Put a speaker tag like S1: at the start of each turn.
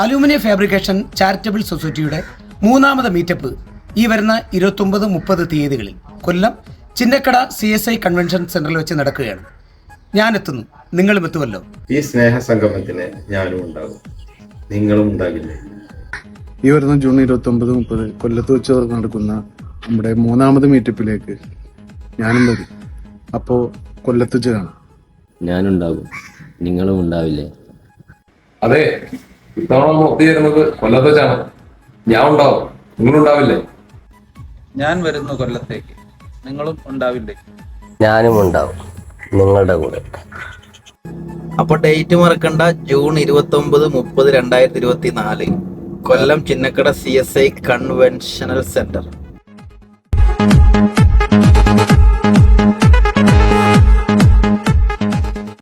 S1: Aluminium fabrication charitable സൊസൈറ്റിയുടെ മൂന്നാമത് meetup ഈ വരുന്ന 29-30 തീയതികളിൽ കൊല്ലം ചിന്നക്കട CSI കൺവെൻഷൻ സെന്ററിൽ വെച്ച് നടക്കുകയാണ്. ഞാൻ എത്തുന്നു, നിങ്ങളും എത്തുമല്ലോ.
S2: ഈ സ്നേഹ സംഗമത്തിന് ഞാനും ഉണ്ടാകും, നിങ്ങളും ഉണ്ടാകില്ലേ?
S3: ഈ വരുന്ന ജൂൺ 29-30 കൊല്ലത്ത് വെച്ച് നടക്കുന്ന നമ്മുടെ മൂന്നാമത് മീറ്റപ്പിലേക്ക് ഞാനും വരും. അപ്പോൾ കൊല്ലത്ത് വെച്ച് കാണാം.
S4: ഞാനുണ്ടാകും, നിങ്ങളും ഉണ്ടാവില്ലേ?
S5: അതെ, ഇത്തവണ ഒത്തുചേരുന്നത് കൊല്ലത്ത് വെച്ചാണ്. ഞാൻ ഉണ്ടാവും, നിങ്ങളുണ്ടാവില്ലേ?
S6: ഞാൻ വരുന്നു കൊല്ലത്തേക്ക്, നിങ്ങളും ഉണ്ടാവില്ലേ?
S4: ഞാനും ഉണ്ടാവും, നിങ്ങളുടെ കൂടെ.
S6: അപ്പൊ ഡേറ്റ് മറക്കണ്ട, June 29-30, 2024 Kollam Chinnakada CSI conventional centre.